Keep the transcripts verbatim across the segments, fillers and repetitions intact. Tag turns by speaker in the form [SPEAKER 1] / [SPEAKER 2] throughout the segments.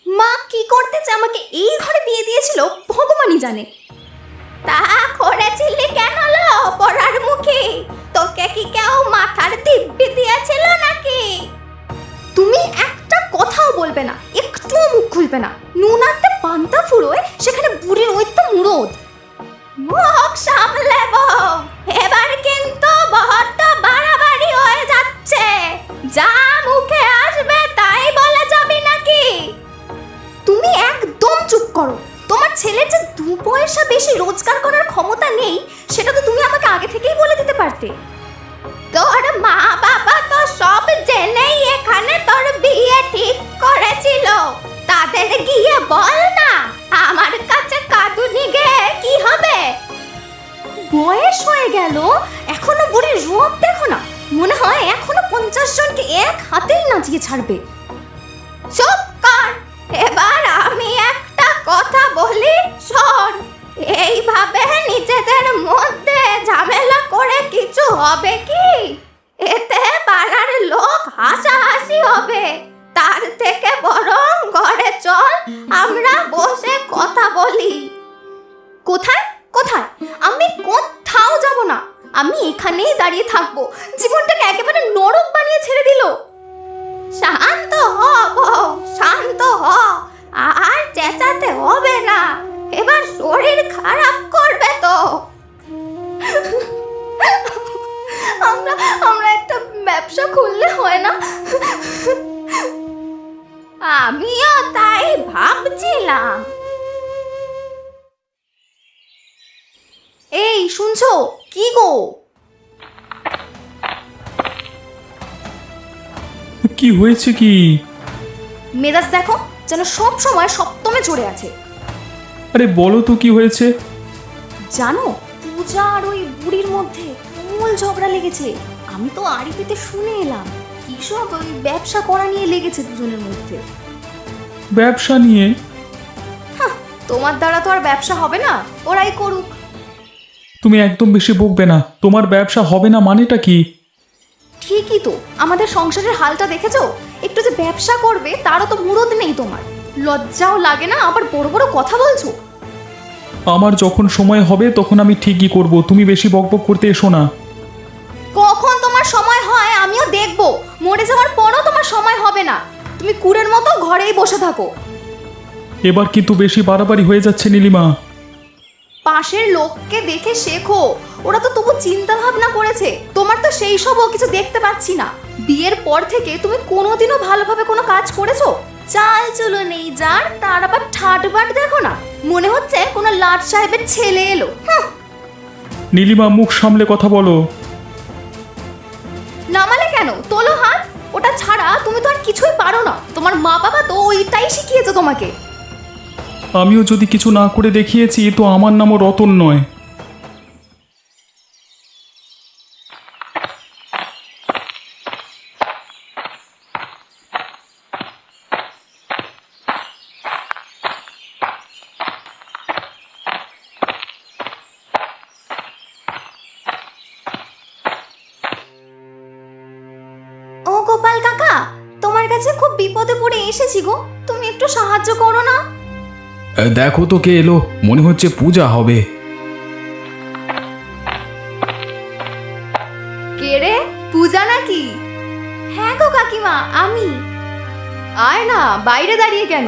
[SPEAKER 1] মা কি করতেছে আমাকে এই ঘরে দিয়ে দিয়েছিল ভগবানই জানে। তা করেছিলি কেন লো পড়ার মুখে? তোকে কি কেউ মাথার দিব্যি দিয়েছিল নাকি? তুমি একটা কথাও বলবে না, একটুও মুখ খুলবে না। নুন আনতে পান্তা ফুরোয়, সেখানে বুড়ির ওই তো মুরদ। মুখ সামলে বউ, এবার কিন্তু বহরটা বাড়াবাড়ি হয়ে যাচ্ছে। যা মুখে আসবে তাই বলে যাবি নাকি? তুমি একদম চুপ করো। তোমার ছেলের যে দু পয়সা বেশি রোজগার করার ক্ষমতা নেই, সেটা তো তুমি আমাকে আগে থেকেই বলে দিতে পারতে। তোর মা বাবা তো সব জেনেই এখানে তোর বিয়ে ঠিক করেছিল। তাদের গিয়ে বল না, আমার কাছে কাঁদুনি গে কি হবে? বয়স হয়ে গেল, এখনো বুড়ির রূপ দেখো না, মনে হয় এখনো পঞ্চাশ জনকে এক হাতেই নাচিয়ে ছাড়বে। চুপ কর, এবার আমি একটা কথা বলি শোন। এইভাবে নিজেদের মধ্যে ঝামেলা করে কিছু হবে কি? এতে পাড়ার লোক হাসাহাসি হবে। তার থেকে বরং ঘরে চল, আমরা বসে কথা বলি। কোথায় কোথায়? আমি কোথাও যাব না, আমি এখানেই দাঁড়িয়ে থাকবো। জীবনটাকে একেবারে নরক বানিয়ে ছেড়ে দিল। শান্ত হ বউ, শান্ত হ, আর চেঁচাতে হবে না, এবার শরীর খারাপ করবে তো। আমরা আমরা একটা ব্যবসা খুললে হয় না? আমিও তাই ভাবছিলাম। এই শুনছো কি গো?
[SPEAKER 2] কি হয়েছে কি?
[SPEAKER 1] মেজাজ দেখো, যেন সব সময় সপ্তমে চড়ে আছে।
[SPEAKER 2] আরে বলো তো কি হয়েছে?
[SPEAKER 1] জানো, পূজা আর ওই বুড়ির মধ্যে মূল ঝগড়া লেগেছে। আমি তো আড়িতে শুনে এলাম, কিসব ওই ব্যবসা করা নিয়ে লেগেছে দুজনের মধ্যে।
[SPEAKER 2] ব্যবসা নিয়ে?
[SPEAKER 1] হ্যাঁ, তোমার দ্বারা তো আর ব্যবসা হবে না, ওরাই করুক।
[SPEAKER 2] তুমি একদম বেশি বকবে না। তোমার ব্যবসা হবে না মানেটা কি?
[SPEAKER 1] ঠিকই তো, আমাদের সংসারের হালটা দেখেছো? একটু যে ব্যবসা করবে তারও তো মুরদ নেই তোমার। লজ্জাও লাগে না, আবার বড় বড় কথা বলছো।
[SPEAKER 2] আমার যখন সময় হবে তখন আমি ঠিকই করব, তুমি বেশি বকবক করতে এসো না।
[SPEAKER 1] কখন তোমার সময় হয় আমিও দেখবো। মরে যাওয়ার পরও তোমার সময় হবে না। তুমি কুড়ের মতো ঘরেই বসে থাকো।
[SPEAKER 2] এবার কিন্তু বেশি বাড়াবাড়ি হয়ে যাচ্ছে নীলিমা।
[SPEAKER 1] পাশের লোককে দেখে শেখো, ওরা তো তবু চিন্তা ভাবনা করেছে। তোমার তো সেই সবও কিছু দেখতে পাচ্ছি না। বিয়ের পর থেকে তুমি কোনোদিনও ভালোভাবে কোনো কাজ করেছো? চাল চলো নেই যার, তার আবার ঠাটবাট দেখো না, মনে হচ্ছে কোনো লাট সাহেবের ছেলে এলো।
[SPEAKER 2] নীলিমা মুখ সামলে কথা বলো।
[SPEAKER 1] নামালে কেন? তোলো হাত। ওটা ছাড়া তুমি তো আর কিছুই পারো না। তোমার মা বাবা তো ওইটাই শিখিয়েছে তোমাকে।
[SPEAKER 2] আমিও যদি কিছু না করে দেখিয়েছি তো আমার নামও রতন নয়।
[SPEAKER 1] ও গোপাল কাকা, তোমার কাছে খুব বিপদে পড়ে এসেছি গো, তুমি একটু সাহায্য করো না।
[SPEAKER 2] দেখো তো কে এলো, মনে হচ্ছে পূজা হবে।
[SPEAKER 1] কে রে, পূজা নাকি? হ্যাঁ গো কাকিমা, আমি। আয় না, বাইরে দাঁড়িয়ে কেন?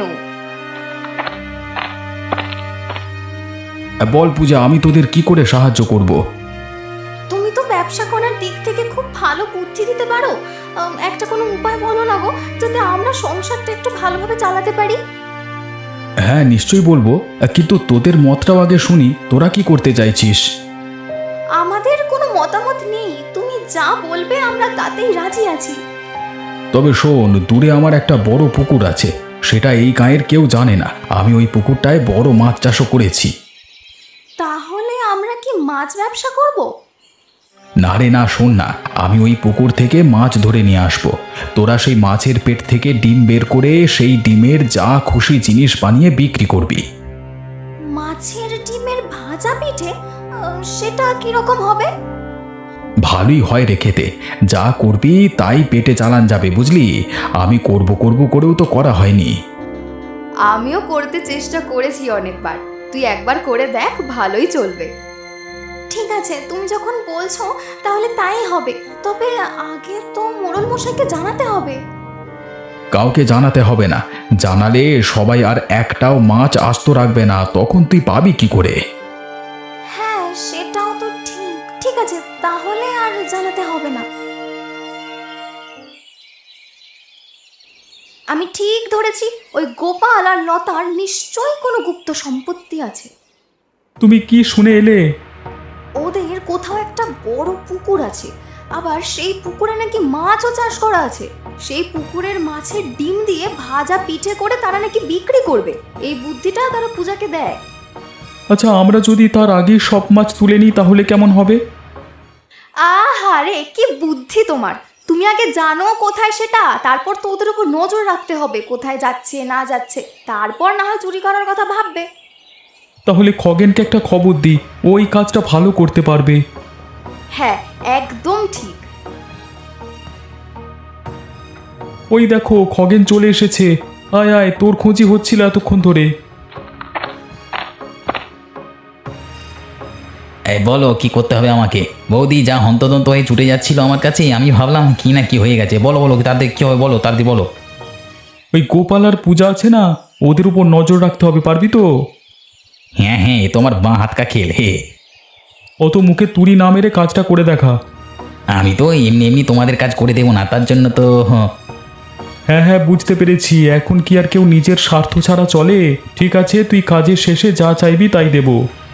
[SPEAKER 2] বল পূজা, আমি তোদের কি করে সাহায্য করব?
[SPEAKER 1] তুমি তো ব্যবসা করার দিক থেকে খুব ভালো বুদ্ধি দিতে পারো। আম, একটা কোনো উপায় বলো না গো, যাতে আমরা সংসারটা একটু ভালোভাবে চালাতে পারি।
[SPEAKER 2] হ্যাঁ নিশ্চয়ই বলবো, কিন্তু তোদের মতটাও আগে শুনি। তোরা কি করতে চাইছিস?
[SPEAKER 1] আমাদের কোনো মতামত নেই, তুমি যা বলবে আমরা তাতেই রাজি আছি।
[SPEAKER 2] তবে শোন, দূরে আমার একটা বড় পুকুর আছে, সেটা এই গাঁয়ের কেউ জানে না। আমি ওই পুকুরটায় বড় মাছ চাষও করেছি।
[SPEAKER 1] তাহলে আমরা কি মাছ ব্যবসা করব?
[SPEAKER 2] না রে না, শোন না, আমি ওই পুকুর থেকে মাছ ধরে নিয়ে আসবো। তোরা সেই মাছের পেট থেকে ডিম বের করে সেই ডিমের যা খুশি জিনিস বানিয়ে বিক্রি করবি।
[SPEAKER 1] মাছের ডিমের ভাজা পিঠে? আহ, সেটা কিরকম হবে?
[SPEAKER 2] ভালোই হয় রে খেতে। যা করবি তাই পেটে চালান যাবে, বুঝলি? আমি করব করব করেও তো করা হয়নি।
[SPEAKER 1] আমিও করতে চেষ্টা করেছি অনেকবার, তুই একবার করে দেখ, ভালোই চলবে। ঠিক আছে, তুমি যখন বলছো তাহলে তাই হবে। তবে আগে তো মোড়ল মশাইকে জানাতে হবে।
[SPEAKER 2] কাউকে জানাতে হবে না, জানালে সবাই আর একটাও মাছ আস্ত রাখবে না, তখন তুই পাবি কি করে?
[SPEAKER 1] হ্যাঁ, সেটাও তো ঠিক। ঠিক আছে, তাহলে আর জানাতে হবে না। আমি ঠিক ধরেছি, ওই গোপাল আর লতার নিশ্চয়ই কোনো গুপ্ত সম্পত্তি আছে।
[SPEAKER 2] তুমি কি শুনে এলে?
[SPEAKER 1] ওদের কোথাও একটা বড় পুকুর আছে, আবার সেই পুকুরে নাকি মাছও চাষ করা আছে। সেই পুকুরের মাছের ডিম দিয়ে ভাজা পিঠে করে তারা নাকি বিক্রি করবে। এই বুদ্ধিটা তারা পূজাকে দেয়।
[SPEAKER 2] আচ্ছা, আমরা যদি তার আগে সব মাছ তুলে নিই তাহলে কেমন হবে?
[SPEAKER 1] আহারে, কি বুদ্ধি তোমার! তুমি আগে জানো কোথায় সেটা, তারপর তো ওদের উপর নজর রাখতে হবে কোথায় যাচ্ছে না যাচ্ছে, তারপর না হয় চুরি করার কথা ভাববে।
[SPEAKER 2] তাহলে খগেনকে একটা খবর দিই, ওই কাজটা ভালো করতে পারবে।
[SPEAKER 1] হ্যাঁ, একদম ঠিক।
[SPEAKER 2] ওই দেখো, খগেন চলে এসেছে। আয় আয়, তোর খোঁজি হচ্ছিল এতক্ষণ ধরে।
[SPEAKER 3] এই বলো কি করতে হবে আমাকে? বৌদি যা হন্তদন্ত হয়ে ছুটে যাচ্ছিল আমার কাছে, আমি ভাবলাম কি না কি হয়ে গেছে। বলো বলো তাদের কি হবে, বলো তাদের বলো।
[SPEAKER 2] ওই গোপাল আর পূজা আছে না, ওদের উপর নজর রাখতে হবে, পারবি তো?
[SPEAKER 3] হ্যাঁ হ্যাঁ, এ তোমার বাঁ হাত কা খেল হে।
[SPEAKER 2] অত মুখে তুড়ি না মেরে কাজটা করে দেখা।
[SPEAKER 3] আমি তো এমনি এমনি তোমাদের কাজ করে দেবো না, তার জন্য তো হ্যাঁ।
[SPEAKER 2] হ্যাঁ হ্যাঁ, বুঝতে পেরেছি। এখন কি আর কেউ নিজের স্বার্থ ছাড়া চলে? ঠিক আছে, তুই কাজের শেষে যা চাইবি তাই দেব।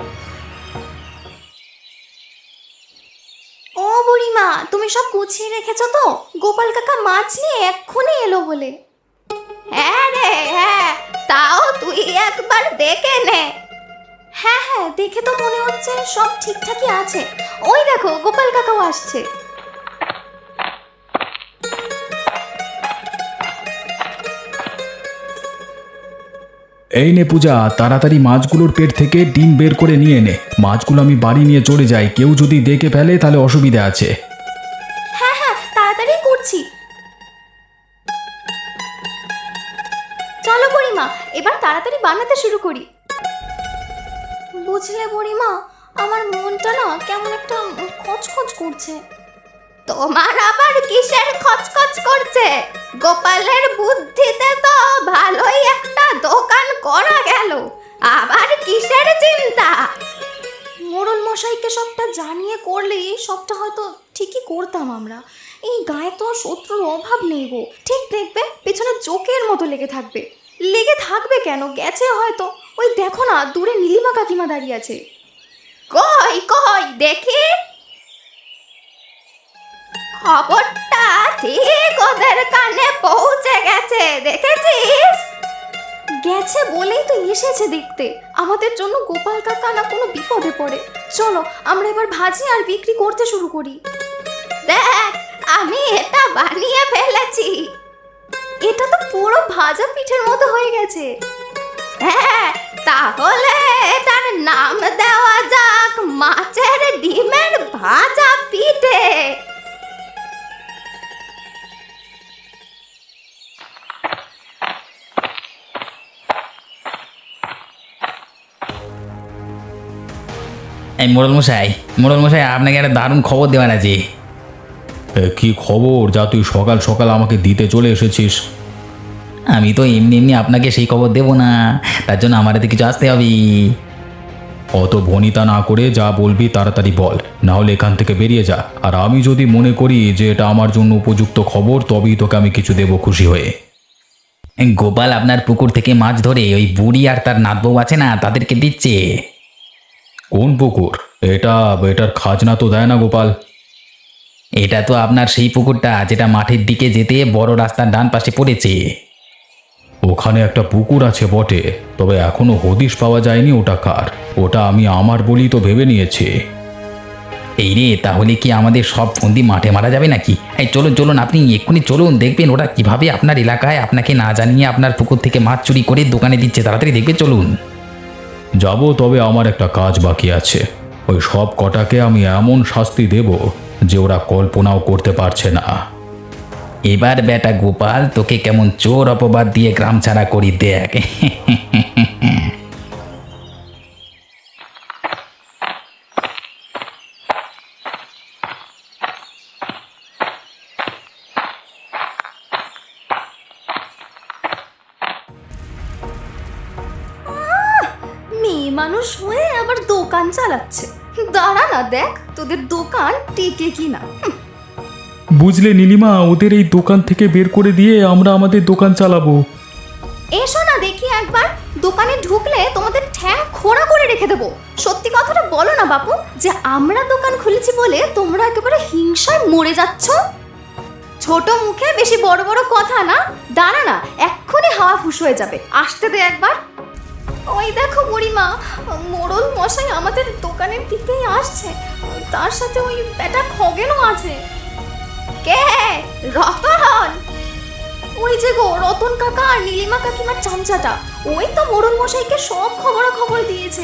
[SPEAKER 1] ও বুড়িমা, তুমি সব গুছিয়ে রেখেছো তো? গোপাল কাকা মাছ নিয়ে এক্ষুনি এলো বলে। হ্যাঁ রে হ্যাঁ, তাও তুই একবার দেখে নে। হ্যাঁ হ্যাঁ, দেখে তো মনে হচ্ছে সব ঠিকঠাকই আছে। ওই দেখো, গোপাল কাকাও আসছে।
[SPEAKER 2] এই নে পূজা, তাড়াতাড়ি মাছগুলোর পেট থেকে ডিম বের করে নিয়ে নে। মাছগুলো আমি বাড়ি নিয়ে চলে যাই, কেউ যদি দেখে ফেলে তাহলে অসুবিধা আছে।
[SPEAKER 1] হ্যাঁ হ্যাঁ, তাড়াতাড়ি করছি। চলো বুড়িমা, এবার তাড়াতাড়ি বানাতে শুরু করি। বুঝলে বুড়িমা, আমার মনটা না কেমন একটা খচখচ করছে। তোমার আবার কিসের খচখচ করছে? গোপালের বুদ্ধিতে তো ভালোই একটা দোকান করা গেল, আবার কিসের চিন্তা? মোড়ল মশাইকে সবটা জানিয়ে করলেই সবটা হয়তো ঠিকই করতাম আমরা। এই গায়ে তো শত্রুর অভাব নেই গো। ঠিক দেখবে, পেছনে জোকের মতো লেগে থাকবে। লেগে থাকবে কেন, গেছে হয়তো। ওই দেখো না, দূরে নীলিমা কাকিমা দাঁড়িয়ে আছে। কই কই দেখি। খবরটা ঠিক ওদের কানে পৌঁছে গেছে, দেখেছিস? গেছে বলেই তো এসেছে দেখতে। আমাদের জন্য গোপাল কাকা না কোনো বিপদে পড়ে। চলো আমরা এবার ভাজি আর বিক্রি করতে শুরু করি। দেখ, আমি এটা বানিয়ে ফেলেছি। এটা তো পুরো ভাজা পিঠের মতো হয়ে গেছে। হ্যাঁ, তাহলে এটার নাম দেওয়া যাক মাছের ডিমের ভাজা পিঠে।
[SPEAKER 3] এই মোড়ল মশাই, মোড়ল মশাই আপনাকে একটা দারুণ খবর দেওয়ার আছে।
[SPEAKER 2] এ, কি খবর যা তুই সকাল সকাল আমাকে দিতে চলে এসেছিস?
[SPEAKER 3] আমি তো এমনি এমনি আপনাকে সেই খবর দেবো না, তার জন্য আমার হাতে কিছু আসতে হবে।
[SPEAKER 2] অত ভনিতা না করে যা বলবি তাড়াতাড়ি বল, না হলে এখান থেকে বেরিয়ে যা। আর আমি যদি মনে করি যে এটা আমার জন্য উপযুক্ত খবর, তবেই তোকে আমি কিছু দেবো খুশি হয়ে।
[SPEAKER 3] গোপাল আপনার পুকুর থেকে মাছ ধরে ওই বুড়ি আর তার নাতবউ আছে না, তাদেরকে দিচ্ছে।
[SPEAKER 2] কোন পুকুর? এটা এটার খাজনা তো দেয় না গোপাল।
[SPEAKER 3] এটা তো আপনার সেই পুকুরটা যেটা মাঠের দিকে যেতে বড় রাস্তার ডান পাশে পড়েছে।
[SPEAKER 2] ওখানে একটা পুকুর আছে বটে, তবে এখনো হদিশ পাওয়া যায়নি ওটা কার। ওটা আমি আমার বলি তো ভেবে নিয়েছি।
[SPEAKER 3] এই রে, তাহলে কি আমাদের সব ফন্দি মাঠে মারা যাবে নাকি? এই চলুন চলুন, আপনি এক্ষুনি চলুন, দেখবেন ওরা কিভাবে আপনার এলাকায় আপনাকে না জানিয়ে আপনার পুকুর থেকে মাছ চুরি করে দোকানে দিচ্ছে। তাড়াতাড়ি দেখবে, চলুন।
[SPEAKER 2] যাব, তবে আমার একটা কাজ বাকি আছে। ওই সব কটাকে আমি এমন শাস্তি দেব যে ওরা কল্পনাও করতে পারছে না।
[SPEAKER 3] এবার বেটা গোপাল তোকে কেমন চোর অপবাদ দিয়ে গ্রাম ছাড়া করি দেখ।
[SPEAKER 1] মেয়ে মানুষ হয়ে আবার দোকান চালাচ্ছে। দাঁড়া না দেখ তোদের দোকান টিকে কিনা। হুম,
[SPEAKER 2] বুঝলে নীলিমা, ওদের এই দোকান থেকে বের করে দিয়ে আমরা আমাদের দোকান চালাবো।
[SPEAKER 1] এসো না দেখি একবার, দোকানে ঢুকলে তোমাদের ঠ্যাং খোঁড়া করে রেখে দেবো। সত্যি কথাটা বলো না বাপু, যে আমরা দোকান খুলেছি বলে তোমরা একেবারে হিংসায় মরে যাচ্ছ। ছোট মুখে বেশি বড় বড় কথা না। দাঁড়া না, এক্ষুনি হাওয়া ফুস হয়ে যাবে। আসতে দে একবার। ওই দেখো বুড়িমা, মোড়ল মশাই আমাদের দোকানের দিকেই আসছে। তার সাথে ওই বেটা খগেনও আছে। কে? রতন? ওই যে গো রতন কাকা আর নীলিমা কাকিমার চামচাটা, ওই তো মোড়ল মশাইকে সব খবরাখবর দিয়েছে।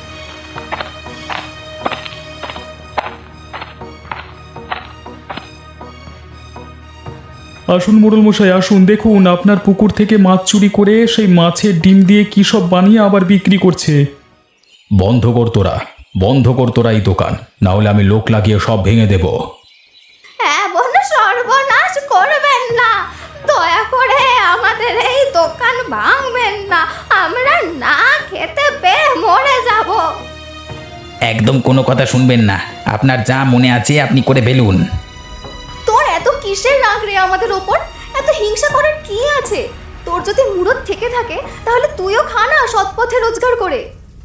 [SPEAKER 2] আসুন মোড়ল মশাই আসুন, দেখুন আপনার পুকুর থেকে মাছ চুরি করে সেই মাছের ডিম দিয়ে কী সব বানিয়ে আবার বিক্রি করছে। বন্ধ কর তোরা, বন্ধ কর তোরা এই দোকান, না হলে আমি লোক লাগিয়ে সব ভেঙে দেব।
[SPEAKER 1] এমন সর্বনাশ করবেন না, দয়া করে আমাদের এই দোকান ভাঙবেন না। আমরা না খেতে পেয়ে মরে যাব।
[SPEAKER 3] একদম কোনো কথা শুনবেন না, আপনার যা মনে আছে আপনি করে ফেলুন।
[SPEAKER 1] তোর এত কিসের রাগ রে আমাদের ওপর? এত হিংসা করার কি আছে? তোর যদি মুরত থেকে থাকে তাহলে তুইও খা না সৎ পথে রোজগার করে।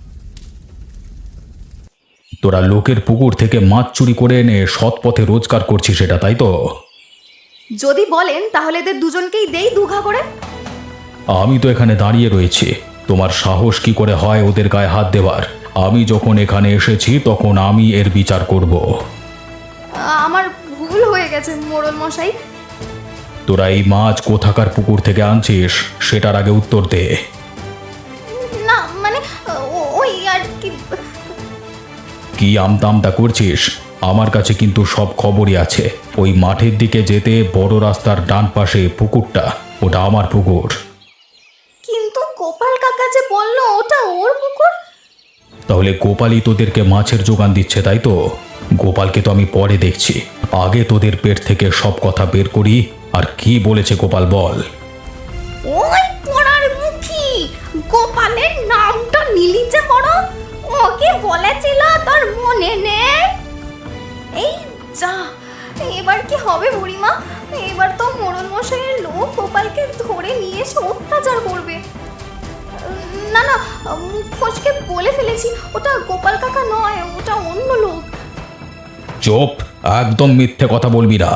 [SPEAKER 2] তোরা লোকের পুকুর থেকে মাছ চুরি করে এনে সৎ পথে রোজগার করছিস, সেটা তাই তো?
[SPEAKER 1] যদি বলেন তাহলে এদের দুজনকেই দেই দুঘা করে।
[SPEAKER 2] আমি তো এখানে দাঁড়িয়ে রয়েছি, তোমার সাহস কি করে হয় ওদের গায়ে হাত দেওয়ার? আমি যখন এখানে এসেছি তখন আমি এর বিচার করব।
[SPEAKER 1] আমার ভুল হয়ে গেছে মোড়ল মশাই।
[SPEAKER 2] তোরা এই মাছ কোথাকার পুকুর থেকে আনছিস সেটার আগে উত্তর দে।
[SPEAKER 1] না মানে ও- ওই আর কি।
[SPEAKER 2] কি আমতা আমতা করছিস? আমার কাছে কিন্তু সব খবরই আছে। ওই মাঠের দিকে যেতে বড় রাস্তার ডান পাশে পুকুরটা, ওটা আমার পুকুর।
[SPEAKER 1] কিন্তু গোপাল কাকা যে বললো ওটা ওর পুকুর।
[SPEAKER 2] তাহলে গোপালই তোদেরকে মাছের যোগান দিচ্ছে, তাই তো? গোপালকে তো আমি পরে দেখছি, আগে তোদের পেট থেকে সব কথা বের করি। আর কি বলেছে গোপাল বল?
[SPEAKER 1] ওই পোড়ার মুখী গোপালের নামটা নিলি যে বড়, ও কি বলেছিল তোর মনে নেই? এই যা, এবার কি হবে বুড়িমা? এবার তো মোড়ল মশাইয়ের লোক গোপালকে ধরে নিয়ে এসে অত্যাচার করবে। না না, মুখ ফসকে বলে ফেলেছি, ওটা গোপাল কাকা নয়, ওটা অন্য লোক।
[SPEAKER 2] চুপ, একদম মিথ্যে কথা বলবি না।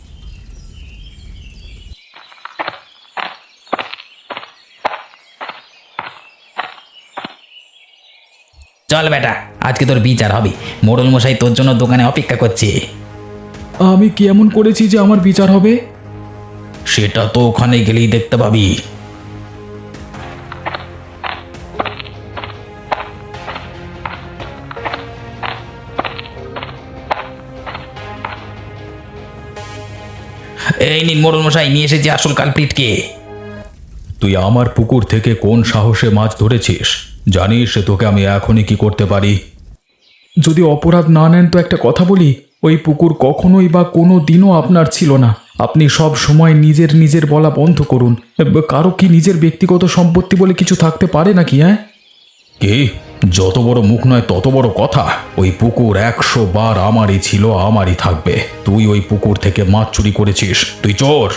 [SPEAKER 3] চল বেটা, আজকে তোর বিচার হবে। মোড়ল মশাই তোর জন্য দোকানে অপেক্ষা করছে।
[SPEAKER 2] আমি কি এমন করেছি যে আমার বিচার হবে? সেটা তো ওখানে গেলেই দেখতে পাবি।
[SPEAKER 3] এই নিন মোড়ল মশাই, নিয়ে এসেছি আসল কালপ্রিটকে।
[SPEAKER 2] তুই আমার পুকুর থেকে কোন সাহসে মাছ ধরেছিস? জানিস তোকে আমি এখনই কি করতে পারি? যদি অপরাধ না নেন তো একটা কথা বলি, ওই পুকুর কখনোই বা কোনো দিনও আপনার ছিল না। আপনি সব সময় নিজের নিজের বলা বন্ধ করুন। কারো কি নিজের ব্যক্তিগত সম্পত্তি বলে কিছু থাকতে পারে নাকি? হ্যাঁ, কি? যত বড় মুখ নয় তত বড় কথা। ওই পুকুর একশো বার আমারই ছিল, আমারই থাকবে। তুই ওই পুকুর থেকে মাছ চুরি করেছিস, তুই চোর।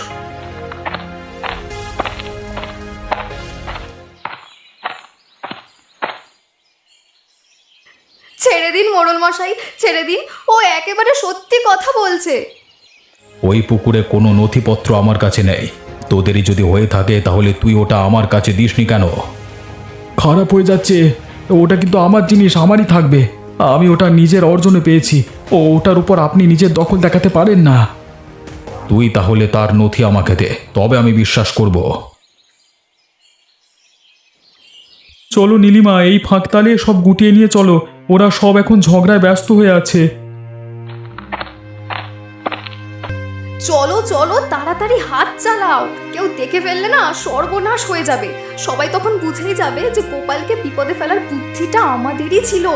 [SPEAKER 1] ছেড়ে দিন মোড়ল মশাই, ছেড়ে দিন, ও একেবারে সত্যি কথা বলছে।
[SPEAKER 2] ওই পুকুরে কোনো নথিপত্র আমার কাছে নেই। তোদেরই যদি হয়ে থাকে তাহলে তুই ওটা আমার কাছে দিসনি কেন? খারাপ হয়ে যাচ্ছে, ওটা কিন্তু আমার জিনিস, আমারই থাকবে। আমি ওটা নিজের অর্জনে পেয়েছি, ও ওটার উপর আপনি নিজের দখল দেখাতে পারেন না। তুই তাহলে তার নথি আমাকে দে, তবে আমি বিশ্বাস করব। চলো নীলিমা, এই ফাঁকতালে সব গুটিয়ে নিয়ে চলো। ওরা সব এখন ঝগড়ায় ব্যস্ত হয়ে আছে।
[SPEAKER 1] চলো চলো তাড়াতাড়ি তাড়াতাড়ি হাত চালাও, কেউ দেখে ফেললে না সর্বনাশ হয়ে যাবে। সবাই তখন বুঝেই যাবে যে গোপালকে বিপদে ফেলার বুদ্ধিটা আমাদেরই ছিল।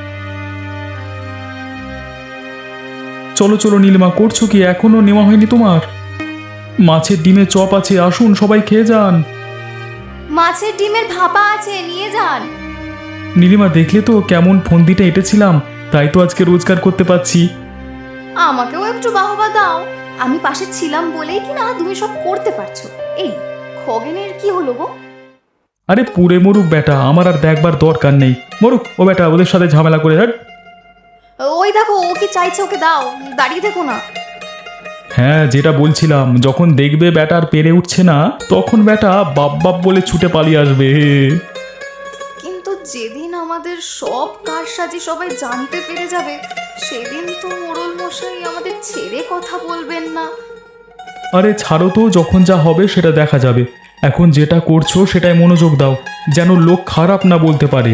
[SPEAKER 2] চলো চলো নীলিমা, করছো কি? এখনো নেওয়া হয়নি তোমার? মাছের ডিমে চপ আছে, আসুন সবাই খেয়ে যান।
[SPEAKER 1] মাছের ডিমের ভাপা আছে, নিয়ে যান।
[SPEAKER 2] নীলিমা, দেখলে তো কেমন ফন্দিটা এঁটেছিলাম, তাই তো আজকে রোজগার করতে পারছি।
[SPEAKER 1] আমাকেও একটু বাহবা দাও, আমি পাশে ছিলাম বলেই কি না তুমি সব করতে পারছো। এই খগেনের কি হলো গো?
[SPEAKER 2] আরে পুড়ে মরুক বেটা, আমার আর দেখবার দরকার নেই। মরুক ও বেটা, ওদের সাথে ঝামেলা করে। হ্যাঁ
[SPEAKER 1] ওই দেখো ও কি চাইছে, ওকে দাও, দাঁড়িয়ে দেখো না।
[SPEAKER 2] হ্যাঁ, যেটা বলছিলাম, যখন দেখবে বেটা আর পেরে উঠছে না, তখন বেটা বাপ বাপ বলে ছুটে পালিয়ে আসবে।
[SPEAKER 1] কিন্তু যেদিন আমাদের সব কারসাজি সবাই জানতে পেরে যাবে, সেদিন তো মোড়ল মশাই আমাদের ছেড়ে কথা বলবেন না।
[SPEAKER 2] আরে ছাড়ো তো, যখন যা হবে সেটা দেখা যাবে। এখন যেটা করছো সেটাই মনোযোগ দাও, যেন লোক খারাপ না বলতে পারে।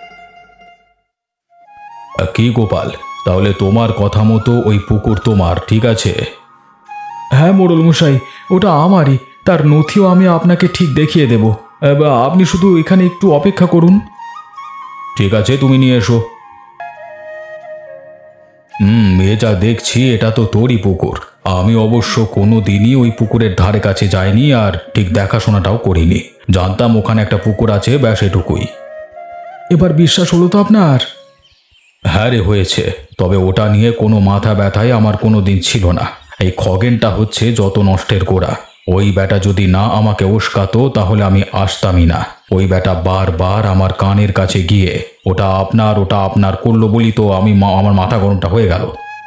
[SPEAKER 2] কি গোপাল, তাহলে তোমার কথা মতো ওই পুকুর তোমার, ঠিক আছে? হ্যাঁ মোড়ল মশাই, ওটা আমারই। তার নথিও আমি আপনাকে ঠিক দেখিয়ে দেব। এবার আপনি শুধু এখানে একটু অপেক্ষা করুন। ঠিক আছে, তুমি নিয়ে এসো। হুম, এ যা দেখছি এটা তো তোরই পুকুর। আমি অবশ্য কোনো দিনই ওই পুকুরের ধারে কাছে যাইনি, আর ঠিক দেখাশোনাটাও করিনি। জানতাম ওখানে একটা পুকুর আছে, ব্যাস এটুকুই। এবার বিশ্বাস হলো তো আপনার? হ্যাঁ রে, হয়েছে। তবে ওটা নিয়ে কোনো মাথা ব্যথাই আমার কোনো দিন ছিল না। এই খগেনটা হচ্ছে যত নষ্টের গোড়া। ওই বেটা যদি না আমাকে উস্কাতো তাহলে আমি আসতামই না। ওই বেটা বারবার আমার কানের কাছে গিয়ে ওটা আপনার ওটা আপনার করলো বলি তো আমি মা- আমার মাথা গরমটা হয়ে গেল।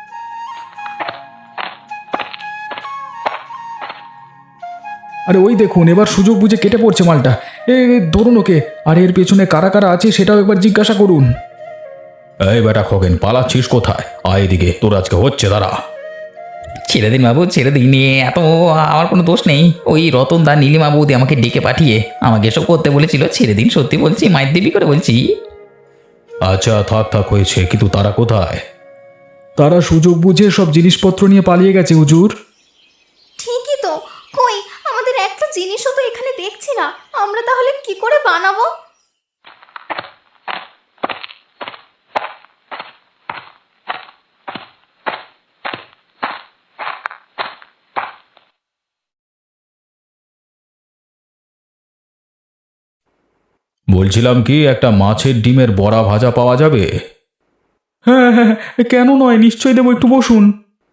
[SPEAKER 2] আরে ওই দেখুন, এবার সুযোগ বুঝে কেটে পড়ছে মালটা। এ এ, ধরুন ওকে। আর এর পেছনে কারা কারা আছে সেটাও একবার জিজ্ঞাসা করুন। এই বেটা খগেন, পালাচ্ছিস কোথায়? আয় এদিকে, তোর আজকে হচ্ছে, দাঁড়া।
[SPEAKER 3] ছেড়ে দিন বাবু, ছেড়ে দিন। এ এত আমার কোনো দোষ নেই। ওই রতন দা নীলিমা বৌদি আমাকে ডেকে পাঠিয়ে আমাকে এসব করতে বলেছিল। ছেড়ে দিন, সত্যি বলছি, মায়ের দেবী করে বলছি।
[SPEAKER 2] আচ্ছা থাক থাক, হয়েছে। কিন্তু তারা কোথায়? তারা সুযোগ বুঝে সব জিনিসপত্র নিয়ে পালিয়ে গেছে হুজুর।
[SPEAKER 1] ঠিকই তো, কই আমাদের একটা জিনিসও তো এখানে দেখছি না, আমরা তাহলে কি করে বানাবো?
[SPEAKER 2] বলছিলাম কি, একটা মাছের ডিমের বড়া ভাজা পাওয়া যাবে? হ্যাঁ হ্যাঁ, কেন নয়, নিশ্চয়ই দেবো, একটু বসুন।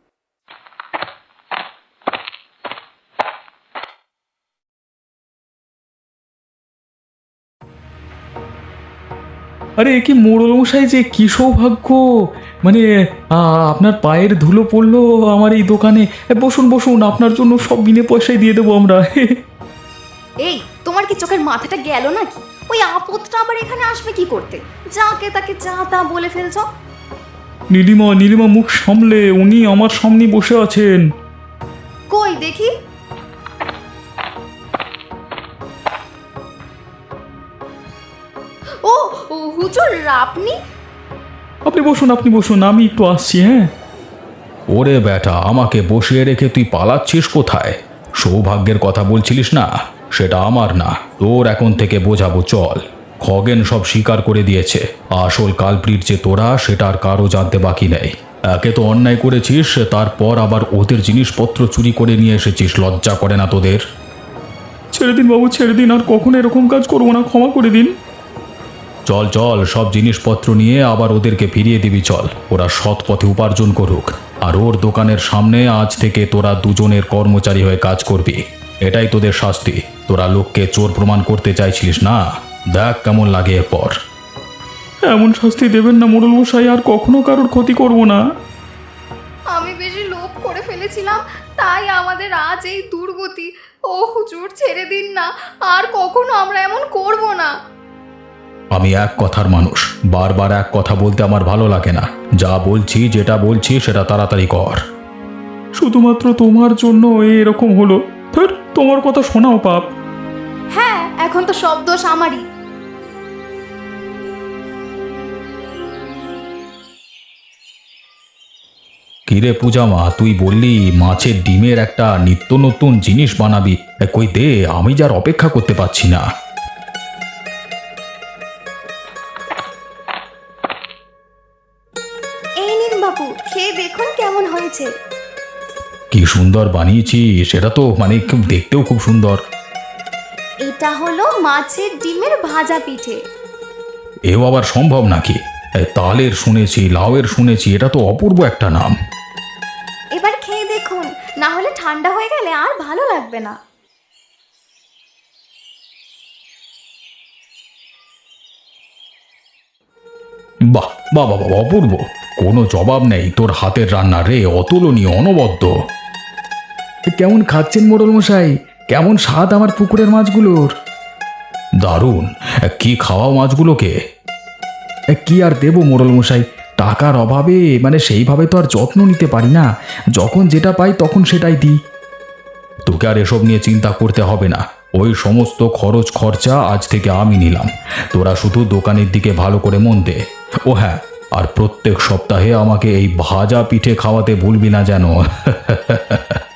[SPEAKER 2] আরে এ কি মোড়ল মশাই, যে কি সৌভাগ্য! মানে আ, আপনার পায়ের ধুলো পড়লো আমার এই দোকানে। এ, বসুন বসুন, আপনার জন্য সব বিনে পয়সায় দিয়ে দেবো আমরা।
[SPEAKER 1] এই তোমার কি চোখের মাথাটা গেল নাকি? ওই আপদটা আবার এখানে আসবে কি করতে? যাকে তাকে যা তা বলে ফেলছো।
[SPEAKER 2] নীলিমা নীলিমা, মুখ সামলে, উনি আমার সামনে বসে আছেন।
[SPEAKER 1] কই দেখি। ও ও, হুজুর আপনি?
[SPEAKER 2] আপনি বসুন, আপনি বসুন, আমি একটু আসছি। হ্যাঁ। ওরে বেটা, আমাকে বসিয়ে রেখে তুই পালাচ্ছিস কোথায়? সৌভাগ্যের কথা বলছিলিস না? সেটা আমার না, তোর এখন থেকে বোঝাবো, চল। খগেন সব স্বীকার করে দিয়েছে। আসল কালপ্রিট যে তোরা, সেটা আর কারো জানতে বাকি নেই। একে তো অন্যায় করেছিস, তারপর আবার ওদের জিনিসপত্র চুরি করে নিয়ে এসেছিস। লজ্জা করে না তোদের? ছেড়ে দিন বাবু, ছেড়ে দিন, আর কখনো এরকম কাজ করবো না, ক্ষমা করে দিন। চল চল, সব জিনিসপত্র নিয়ে আবার ওদেরকে ফিরিয়ে দিবি, চল। ওরা সৎ পথে উপার্জন করুক, আর ওর দোকানের সামনে আজ থেকে তোরা দুজনের কর্মচারী হয়ে কাজ করবি। এটাই তোদের শাস্তি। তোরা লোককে চোর প্রমাণ করতে চাইছিলিস না, দেখ কেমন লাগে এরপর। এমন শাস্তি দেবেন না মোড়ল মশাই, আর কখনো কারোর ক্ষতি করব না।
[SPEAKER 1] আমি বেশি লোভ করে ফেলেছিলাম, তাই আমাদের আজ এই দুর্গতি। ও হুজুর ছেড়ে দিন না, আর কখনো আমরা এমন করব না।
[SPEAKER 2] আমি এক কথার মানুষ, বারবার এক কথা বলতে আমার ভালো লাগে না। যা বলছি, যেটা বলছি সেটা তাড়াতাড়ি কর। শুধুমাত্র তোমার জন্য এরকম হলো। ধুর, তোমার কথা শোনাও পাপ।
[SPEAKER 1] হ্যাঁ, এখন তো সব দোষ আমারই।
[SPEAKER 2] কিরে পূজামা, তুই বললি মাছের ডিমের একটা নিত্য নতুন জিনিস বানাবি। এ, কই দে, আমি যার অপেক্ষা করতে পারছি না।
[SPEAKER 1] এই নিন বাবু, খেয়ে দেখুন কেমন হয়েছে।
[SPEAKER 2] কি সুন্দর বানিয়েছি, সেটা তো মানে খুব দেখতেও খুব সুন্দর।
[SPEAKER 1] এটা হলো মাছের ডিমের ভাজা পিঠে।
[SPEAKER 2] এও আবার সম্ভব নাকি? এ, তালের শুনেছি, লাউয়ের শুনেছি, এটা তো অপূর্ব একটা নাম।
[SPEAKER 1] এবার খেয়ে দেখুন, না হলে ঠান্ডা হয়ে গেলে আর ভালো লাগবে না।
[SPEAKER 2] বাহ বাহ বাহ বাহ, অপূর্ব, কোনো জবাব নেই তোর হাতের রান্না রে, অতুলনীয়, অনবদ্য। কেমন খাচ্ছেন মোড়ল মশাই? কেমন স্বাদ আমার পুকুরের মাছগুলোর? দারুণ। কি খাওয়াও মাছগুলোকে? কি আর দেবো মোড়ল মশাই, টাকার অভাবে মানে সেইভাবে তো আর যত্ন নিতে পারি না। যখন যেটা পাই তখন সেটাই দিই। তোকে আর এসব নিয়ে চিন্তা করতে হবে না, ওই সমস্ত খরচ খরচা আজ থেকে আমি নিলাম। তোরা শুধু দোকানের দিকে ভালো করে মন দে। ও হ্যাঁ, আর প্রত্যেক সপ্তাহে আমাকে এই ভাজা পিঠে খাওয়াতে ভুলবি না যেন।